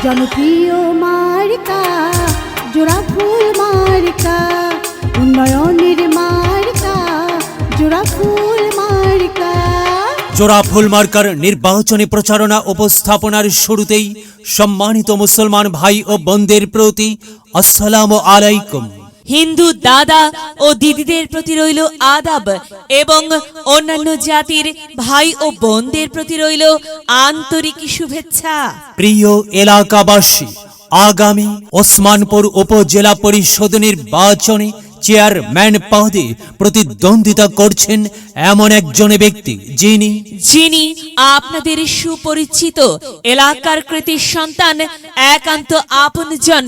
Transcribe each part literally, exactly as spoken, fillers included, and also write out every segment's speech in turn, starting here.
জনপ্রিয় মার্কা জোড়া ফুল মার্কা, উন্নয়নের মার্কা জোড়া ফুল মার্কা। জোড়া ফুল মার্কার নির্বাচনী প্রচারণা উপস্থাপনার শুরুতেই সম্মানিত মুসলমান ভাই ও বোনদের প্রতি আসসালামু আলাইকুম। হিন্দু দাদা ও দিদিদের প্রতি রইল আদাব এবং অন্যান্য জাতির ভাই ও বোনদের প্রতি রইল আন্তরিক শুভেচ্ছা। প্রিয় এলাকাবাসী, আগামী ওসমানপুর উপজেলা পরিষদ নির্বাচনে চেয়ারম্যান পদে প্রতিদ্বন্দ্বিতা করছেন এমন একজন ব্যক্তি যিনি যিনি আপনাদের সুপরিচিত এলাকার কৃতি সন্তান, একান্ত আপনজন,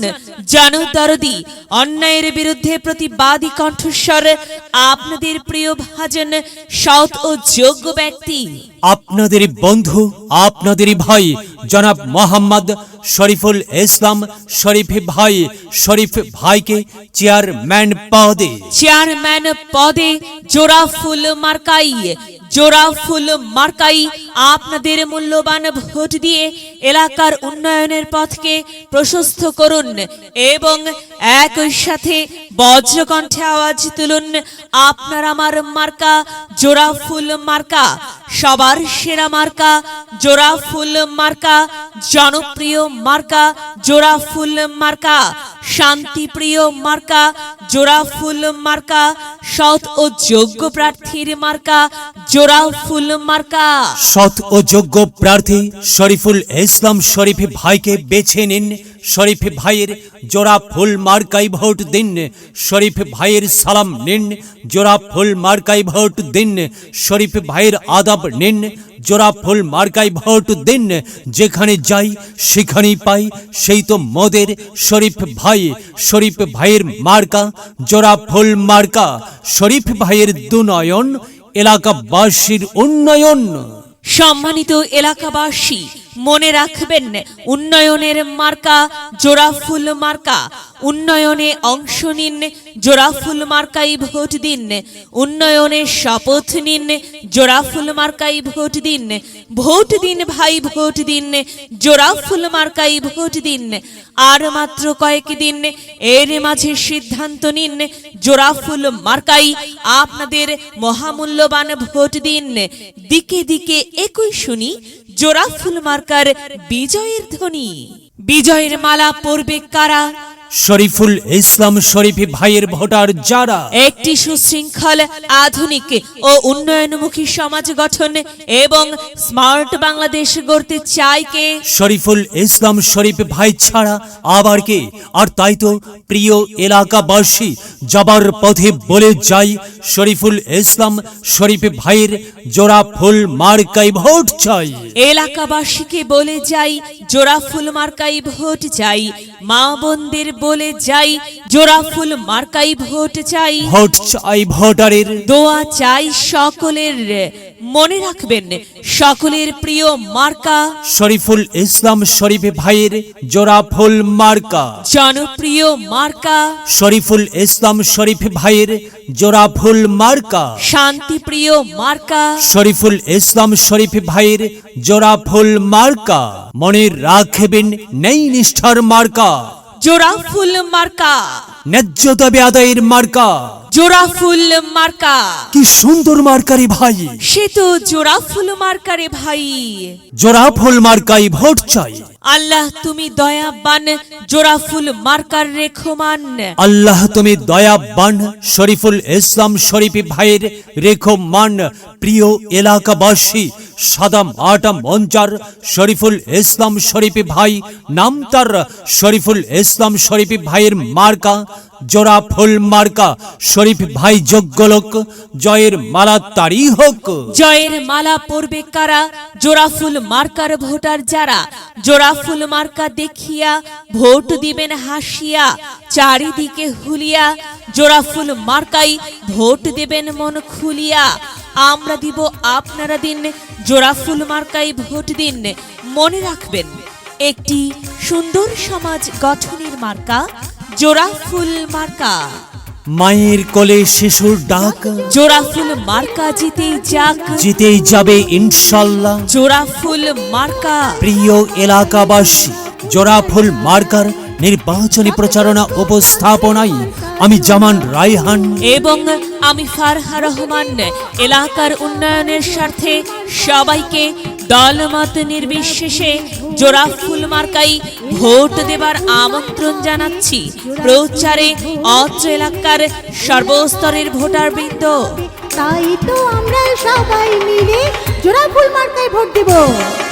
জনদরদি, অন্যায়ের বিরুদ্ধে প্রতিবাদী কণ্ঠস্বর, আপনাদের প্রিয় ভাজন, সৎ ও যোগ্য ব্যক্তি, আপনাদের বন্ধু, আপনাদের ভাই জনাব মোহাম্মদ শরীফুল ইসলাম শরীফ ভাই। শরীফ ভাইকে চেয়ারম্যান পদে চেয়ারম্যান পদে জোড়া ফুল মার্কাই জোড়া ফুল মার্কাই আপনাদের মূল্যবান ভোট দিয়ে এলাকার উন্নয়নের পথকে প্রশস্ত করুন এবং একই সাথে বজ্রকণ্ঠে আওয়াজ তুলুন, আপনার আমার মার্কা জোড়া ফুল মার্কা, সবার সেরা মার্কা জোড়া ফুল মার্কা, জনপ্রিয় মার্কা জোড়া ফুল মার্কা, শান্তিপ্রিয় মার্কা জোড়া ফুল মার্কা, সৎ ও যোগ্য প্রার্থীর মার্কা জোড়া ফুল মার্কা। সৎ ও যোগ্য প্রার্থী শরীফুল ইসলাম শরীফ ভাইকে বেছে নিন। শরীফ ভাইয়ের জোড়া ফুল মার্কাই ভোট দিন। শরীফ ভাইয়ের সালাম নিন, জোড়া ফুল মার্কাই ভোট দিন। শরীফ ভাইয়ের আদাব নিন, জোড়া ফুল মার্কাই ভোট দিন। যেখানে যাই সেখানেই পাই সেই তো মোদের শরীফ ভাই। শরীফ ভাইয়ের মার্কা জোড়া ফুল মার্কা। শরীফ ভাইয়ের দুনয়ন, এলাকাবাসীর উন্নয়ন। সম্মানিত এলাকাবাসী, মনে রাখবেন, উন্নয়নের মার্কা জোড়া ফুল মার্কা। উন্নয়নে অংশ নিন, জোড়া ফুল মার্কাই ভোট দিন। উন্নয়নে শপথ নিন, জোড়া ফুল মার্কাই ভোট দিন। ভোট দিন ভাই, ভোট দিন, জোড়া ফুল মার্কাই ভোট দিন। আর মাত্র কয়েক দিন, এর মাঝে সিদ্ধান্ত নিন, জোড়া ফুল মার্কাই আপনাদের মহামূল্যবান ভোট দিন। দিকে দিকে একই শুনি জোড়া ফুল মার্কার বিজয়ের ধ্বনি। বিজয়ের মালা পরবে কারা? শরীফুল ইসলাম শরীফ ভাইয়ের ভোটার যারা একটি সুশৃঙ্খল, আধুনিক ও উন্নয়নমুখী সমাজ গঠন এবং স্মার্ট বাংলাদেশ গড়তে চায় কে? শরীফুল ইসলাম শরীফ ভাই ছাড়া আবার কে? আর তাই তো প্রিয় এলাকাবাসী, যাবার পথে বলে যাই, শরীফুল ইসলাম শরীফ ভাইয়ের জোড়া ফুল মার্কাই ভোট চাই। এলাকাবাসীকে বলে যাই, জোড়া ফুল মার্কাই ভোট চাই। মা বোনদের বলে যাই, জোড়া ফুল মার্কাই ভোট চাই। ভোট চাই ভোটারের, দোয়া চাই সকলের। মনে রাখবেন, সকলের প্রিয় মার্কা শরীফুল ইসলাম শরীফ ভাইয়ের জোড়া ফুল মার্কা। জনপ্রিয় মার্কা শরীফুল ইসলাম শরীফ ভাইয়ের জোড়া ফুল মার্কা। শান্তিপ্রিয় মার্কা শরীফুল ইসলাম শরীফ ভাইয়ের জোড়া ফুল মার্কা। মনে রাখবেন, নেই নিষ্ঠার মার্কা জোড়া ফুল মার্কা। ন্যায্য দাবি আদায়ের মার্কা জোড়া ফুল মার্কা। কি সুন্দর মার্কারি ভাই, সে তো জোড়া ফুল মার্কারে ভাই। জোড়া ফুল মার্কাই ভোট চাই। আল্লাহ তুমি দয়াবান, জোড়া ফুল মার্কার রেখমান। আল্লাহ তুমি দয়াবান, শরীফুল ইসলাম শরীফ ভাইয়ের রেখমান। প্রিয় এলাকাবাসী, সাদা মাটা মঞ্চার শরীফুল ইসলাম শরীফ ভাই, নাম তার শরীফুল ইসলাম শরীফ ভাইয়ের মার্কা জোড়া ফুল মার্কা। শরীফ ভাই যোগ্য লোক, জয়ের মালা তারই হোক। জয়ের মালা পরবে কারা? জোড়া ফুল মার্কার ভোটার যারা। জোড়া ফুল মার্কা দেখিয়া ভোট দিবেন হাসিয়া, চারিদিকে হুলিয়া। জোড়া ফুল মার্কাই ভোট দেবেন মন খুলিয়া। আমরা দিব, আপনারা দিন, জোড়া ফুল মার্কাই ভোট দিন। মনে রাখবেন, একটি সুন্দর সমাজ গঠনের মার্কা জোড়া ফুল মার্কা। মায়ের কোলে শিশুর ডাক, জোড়া ফুল মার্কা জিতেই যাক, জিতেই যাবে ইনশাল্লাহ। জোড়া ফুল মার্কা। প্রিয় এলাকাবাসী, জোড়া ফুল মার্কার নির্বাচনী প্রচারণা উপস্থাপনায় আমি জামান রায়হান এবং আমি ফারহা রহমান এলাকার উন্নয়নের স্বার্থে সবাইকে দলমত নির্বিশেষে জোড়া ফুল মার্কাই ভোট দেবার আমন্ত্রণ জানাচ্ছি। প্রচারে অত্র এলাকার সর্বস্তরের ভোটারবৃন্দ। তাই তো আমরা সবাই মিলে জোড়া ফুল মার্কায় ভোট দেব।